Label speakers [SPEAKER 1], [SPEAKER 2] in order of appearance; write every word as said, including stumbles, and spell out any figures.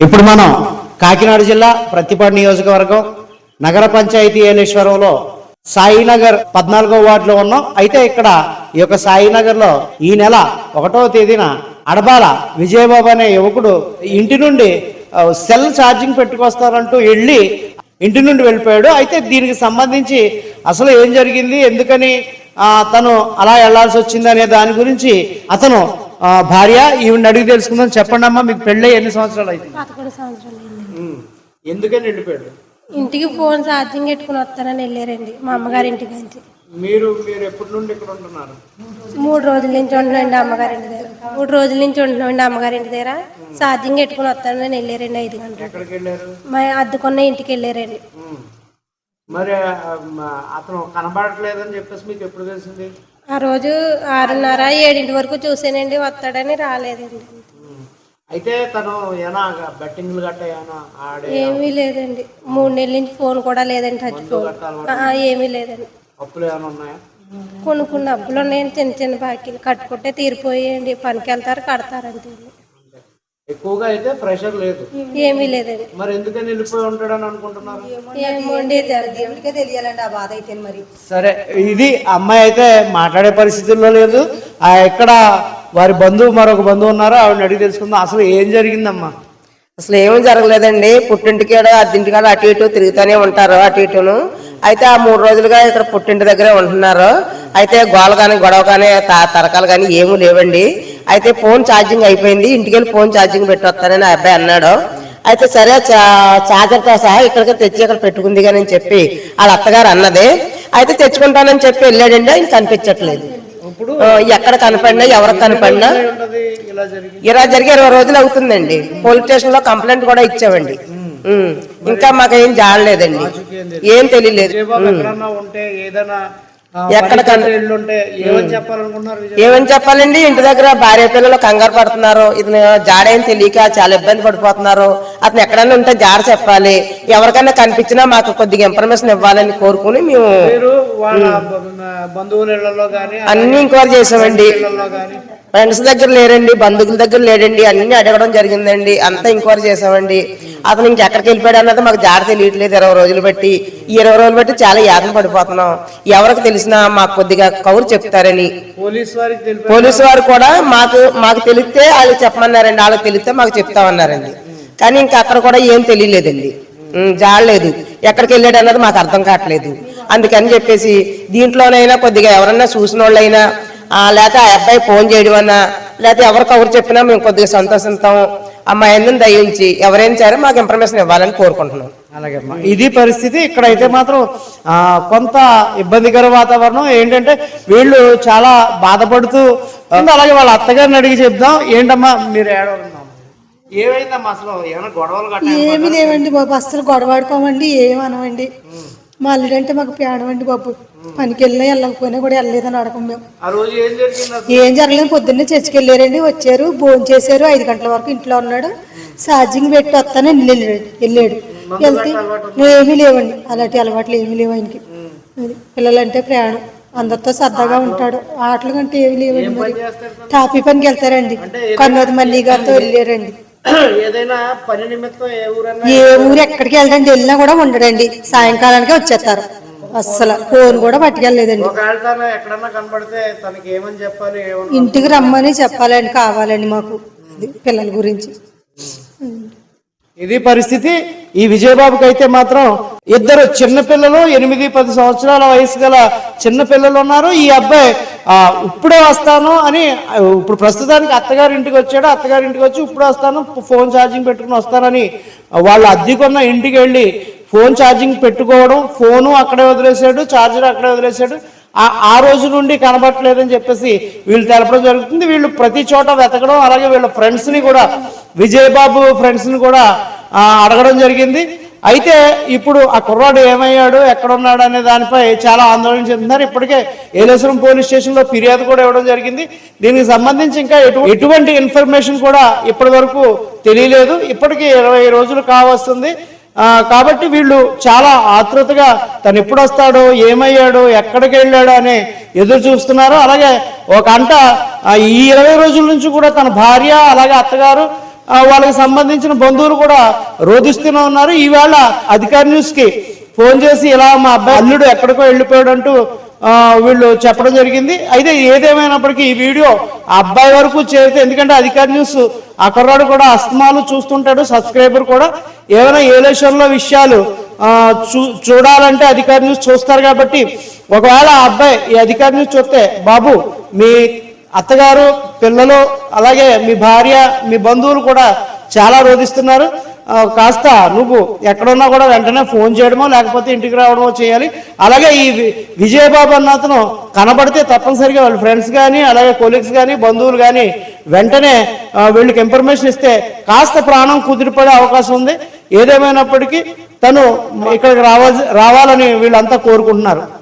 [SPEAKER 1] ఇప్పుడు మనం కాకినాడ జిల్లా ప్రత్తిపాడు నియోజకవర్గం నగర పంచాయతీ ఏలేశ్వరంలో సాయినగర్ పద్నాలుగో వార్డులో ఉన్నాం. అయితే ఇక్కడ ఈ యొక్క సాయినగర్లో ఈ నెల ఒకటవ తేదీన అడబాల విజయబాబు అనే యువకుడు ఇంటి నుండి సెల్ ఛార్జింగ్ పెట్టుకొస్తారంటూ వెళ్ళి ఇంటి నుండి వెళ్ళిపోయాడు. అయితే దీనికి సంబంధించి అసలు ఏం జరిగింది, ఎందుకని తను అలా వెళ్లాల్సి వచ్చింది అనే దాని గురించి అతను భార్య ఈవిడ అడిగి తెలుసుకుందాం. చెప్పండి అమ్మా, మీకు పెళ్ళి ఎన్ని సంవత్సరాలు అయితే?
[SPEAKER 2] పదకొండు సంవత్సరాలు.
[SPEAKER 1] ఎందుకని వెళ్ళిపోయాడు?
[SPEAKER 2] ఇంటికి ఫోన్ ఛార్జింగ్ పెట్టుకుని వస్తానని వెళ్ళారండి మా అమ్మగారి ఇంటికి నుంచి.
[SPEAKER 1] మీరు మీరు ఎప్పటి నుండి ఇక్కడ ఉంటున్నారు?
[SPEAKER 2] మూడు రోజుల నుంచి ఉంటున్నాండి అమ్మగారి ఇంటి దగ్గర. మూడు రోజుల నుంచి ఉంటున్నాండి అమ్మగారి ఇంటి దగ్గర. ఛార్జింగ్ పెట్టుకుని వస్తానని వెళ్ళారండి ఐదు గంటలు.
[SPEAKER 1] ఎక్కడికి వెళ్ళారు?
[SPEAKER 2] మా అద్దుకున్న ఇంటికి వెళ్ళారండి.
[SPEAKER 1] మరి అతను కనబడట్లేదని చెప్పేసి మీకు ఎప్పుడు తెలిసింది?
[SPEAKER 2] ఆ రోజు ఆరున్నర ఏడింటి వరకు చూసానండి, వస్తాడని రాలేదండి.
[SPEAKER 1] అయితే తను ఏమైనా బెట్టింగ్లు గట్ట ఏమైనా ఆడే?
[SPEAKER 2] ఏమీ లేదండి, మూడు నెలల నుంచి ఫోన్ కూడా లేదండి, టచ్ ఫోన్ ఏమీ లేదండి.
[SPEAKER 1] అప్పులు ఏమైనా ఉన్నాయా?
[SPEAKER 2] కొన్ని కొన్ని అప్పులు ఉన్నాయండి, చిన్న చిన్న బాకీలు కట్టుకుంటే తీరిపోయాయండి. పనికి వెళ్తారు, కడతారంతే.
[SPEAKER 1] ఎక్కువగా అయితే ప్రెషర్ లేదు,
[SPEAKER 2] ఏమీ లేదండి.
[SPEAKER 1] మరి ఎందుకని వెళ్ళిపోయి ఉంటాడని అనుకుంటున్నారు?
[SPEAKER 2] దేవుడికే తెలియాలండి ఆ బాధ అయితే. మరి
[SPEAKER 1] సరే, ఇది అమ్మాయి అయితే మాట్లాడే పరిస్థితుల్లో లేదు. ఆ ఎక్కడ వారి బంధువు మరొక బంధువు ఉన్నారు, ఆవిడని అడిగి తెలుసుకుందాం. అసలు ఏం జరిగిందమ్మా?
[SPEAKER 3] అసలు ఏమీ జరగలేదండి. పుట్టింటికాడ అద్దింటికాడ అటు ఇటు తిరుగుతూనే ఉంటారు, అటు ఇటును. అయితే ఆ మూడు రోజులుగా ఇక్కడ పుట్టింటి దగ్గరే ఉంటున్నారు. అయితే గోల కానీ గొడవ కానీ తరకాలు కానీ ఏమీ లేవండి. అయితే ఫోన్ ఛార్జింగ్ అయిపోయింది, ఇంటికి వెళ్ళి ఫోన్ ఛార్జింగ్ పెట్టి వస్తానని ఆ అబ్బాయి అన్నాడు. అయితే సరే ఛార్జర్తో సహా ఇక్కడికి తెచ్చి ఇక్కడ పెట్టుకుంది కానీ అని చెప్పి వాళ్ళ అత్తగారు అన్నది. అయితే తెచ్చుకుంటానని చెప్పి వెళ్ళాడండి, ఆయన కనిపించట్లేదు. ఎక్కడ కనపడినా ఎవరికి కనపడినా ఇలా జరిగి ఇరవై రోజులు అవుతుందండి. పోలీస్ స్టేషన్ లో కంప్లైంట్ కూడా ఇచ్చామండి. ఇంకా మాకేం జాడలేదండి, ఏం తెలియలేదు. ఎక్కడ ఏమని చెప్పాలండి, ఇంటి దగ్గర భార్య పిల్లలు కంగారు పడుతున్నారు, ఇతను జాడేం తెలియక చాలా ఇబ్బంది పడిపోతున్నారు. అతను ఎక్కడైనా ఉంటే జాడ చెప్పాలి, ఎవరికైనా కనిపించినా మాకు కొద్దిగా ఇన్ఫర్మేషన్ ఇవ్వాలని కోరుకుని మేము అన్ని ఎంక్వైరీ చేసామండి. ఫ్రెండ్స్ దగ్గర లేరండి, బంధువుల దగ్గర లేడండి, అన్ని అడగడం జరిగిందండి, అంతా ఎంక్వైరీ చేసామండి. అతను ఇంకెక్కడికి వెళ్ళిపోయాడు అన్నది మాకు జాడ తెలియట్లేదు. ఇరవై రోజులు బట్టి ఈ ఇరవై రోజులు బట్టి చాలా యాతన పడిపోతున్నాం. ఎవరికి తెలిసినా మాకు కొద్దిగా కౌరు చెప్తారని పోలీసు వారు కూడా మాకు మాకు తెలిస్తే వాళ్ళు చెప్పమన్నారండి, వాళ్ళకి తెలిస్తే మాకు చెప్తామన్నారండి. కానీ ఇంకా అక్కడ కూడా ఏం తెలియలేదండి, జాడలేదు. ఎక్కడికి వెళ్ళాడు అన్నది మాకు అర్థం కావట్లేదు. అందుకని చెప్పేసి దీంట్లోనైనా కొద్దిగా ఎవరన్నా చూసిన వాళ్ళైనా లేకపోతే ఆ అబ్బాయి ఫోన్ చేయడం అన్నా లేకపోతే ఎవరికి ఎవరు చెప్పినా మేము కొద్దిగా సంతోషిస్తాం. అమ్మాయిని దయించి ఎవరైనా సరే మాకు ఇన్ఫర్మేషన్ ఇవ్వాలని కోరుకుంటున్నాం.
[SPEAKER 1] అలాగే ఇది పరిస్థితి. ఇక్కడైతే మాత్రం కొంత ఇబ్బందికర వాతావరణం. ఏంటంటే వీళ్ళు చాలా బాధపడుతూ, అలాగే వాళ్ళ అత్తగారిని అడిగి చెప్దాం. ఏంటమ్మా మీరు ఏడవడం ఏమైందమ్మా? అసలు ఏమైనా గొడవలు?
[SPEAKER 4] ఏమి లేవండి బాబు, అసలు గొడవాడుకోమండి, ఏమనవండి. మా అల్లుడంటే మాకు పేడవండి బాబు. పనికి వెళ్ళినా వెళ్ళకపోయినా కూడా వెళ్ళలేదని అడగం మేము. ఏం జరగలేదు, పొద్దున్నే చర్చికి వెళ్ళారండి, వచ్చారు, భోజనం చేశారు, ఐదు గంటల వరకు ఇంట్లో ఉన్నాడు. ఛార్జింగ్ పెట్టి వస్తానని వెళ్ళాడు వెళ్ళాడు వెళ్తే ఏమీ లేవండి, అలాంటి అలవాట్లు ఏమీ లేవు ఆయనకి. పిల్లలంటే ప్రయాణం, అందరితో సరదాగా ఉంటాడు, ఆటల కంటే ఏమి లేవండి. మరి టాపీ పనికి వెళ్తారండి, కన్నోది మల్లి గారితో వెళ్ళారండి. ఏ ఊరు ఎక్కడికి వెళ్ళండి, వెళ్ళినా కూడా ఉండడండి, సాయంకాలానికే వచ్చేస్తారు. అస్సలు ఫోన్ కూడా పట్టుకెళ్ళలేదండి. ఇంటికి రమ్మని చెప్పాలండి, కావాలండి మాకు పిల్లల గురించి.
[SPEAKER 1] ఇది పరిస్థితి. ఈ విజయబాబుకి అయితే మాత్రం ఇద్దరు చిన్నపిల్లలు, ఎనిమిది పది సంవత్సరాల వయసు గల చిన్నపిల్లలు ఉన్నారు. ఈ అబ్బాయి ఇప్పుడే వస్తాను అని ఇప్పుడు ప్రస్తుతానికి అత్తగారి ఇంటికి వచ్చాడు. అత్తగారి ఇంటికి వచ్చి ఇప్పుడు వస్తాను, ఫోన్ ఛార్జింగ్ పెట్టుకుని వస్తానని వాళ్ళు అద్దెకున్న ఇంటికి వెళ్ళి ఫోన్ ఛార్జింగ్ పెట్టుకోవడం, ఫోను అక్కడే వదిలేశాడు, ఛార్జర్ అక్కడే వదిలేశాడు. ఆ రోజు నుండి కనబట్టలేదని చెప్పేసి వీళ్ళు తెలపడం జరుగుతుంది. వీళ్ళు ప్రతి చోట వెతకడం, అలాగే వీళ్ళ ఫ్రెండ్స్ని కూడా, విజయబాబు ఫ్రెండ్స్ని కూడా అడగడం జరిగింది. అయితే ఇప్పుడు ఆ కుర్రాడు ఏమయ్యాడు, ఎక్కడున్నాడు అనే దానిపై చాలా ఆందోళన చెందుతున్నారు. ఇప్పటికే ఏలేశ్వరం పోలీస్ స్టేషన్లో ఫిర్యాదు కూడా ఇవ్వడం జరిగింది. దీనికి సంబంధించి ఇంకా ఎటువంటి ఇన్ఫర్మేషన్ కూడా ఇప్పటి వరకు తెలియలేదు. ఇప్పటికీ ఇరవై రోజులు కావస్తుంది. కాబట్టి వీళ్ళు చాలా ఆతృతగా తను ఎప్పుడు వస్తాడో, ఏమయ్యాడో, ఎక్కడికి వెళ్ళాడో అని ఎదురు చూస్తున్నారు. అలాగే ఒక అంట ఈ ఇరవై రోజుల నుంచి కూడా తన భార్య అలాగే అత్తగారు ఆ, వాళ్ళకి సంబంధించిన బంధువులు కూడా రోధిస్తూనే ఉన్నారు. ఈవేళ అధికార న్యూస్కి ఫోన్ చేసి ఇలా మా అబ్బాయి అల్లుడు ఎక్కడికో వెళ్ళిపోయాడు అంటూ ఆ, వీళ్ళు చెప్పడం జరిగింది. అయితే ఏదేమైనప్పటికీ ఈ వీడియో ఆ అబ్బాయి వరకు చేరితే, ఎందుకంటే అధికార న్యూస్ ఆ కుర్రాడు కూడా అస్తమాలు చూస్తుంటాడు, సబ్స్క్రైబర్ కూడా ఏమైనా ఏలేషన్లో విషయాలు ఆ, చూ చూడాలంటే అధికార న్యూస్ చూస్తారు. కాబట్టి ఒకవేళ ఆ అబ్బాయి ఈ అధికార న్యూస్ చూస్తే, బాబు మీ అత్తగారు, పిల్లలు, అలాగే మీ భార్య, మీ బంధువులు కూడా చాలా రోధిస్తున్నారు, కాస్త నువ్వు ఎక్కడున్నా కూడా వెంటనే ఫోన్ చేయడమో లేకపోతే ఇంటికి రావడమో చేయాలి. అలాగే ఈ విజయబాబు అన్న అతను కనబడితే తప్పనిసరిగా వాళ్ళ ఫ్రెండ్స్ కానీ అలాగే కొలీగ్స్ కానీ బంధువులు కానీ వెంటనే వీళ్ళకి ఇన్ఫర్మేషన్ ఇస్తే కాస్త ప్రాణం కుదిరిపడే అవకాశం ఉంది. ఏదేమైనప్పటికీ తను ఇక్కడికి రావాల్సి రావాలని వీళ్ళంతా కోరుకుంటున్నారు.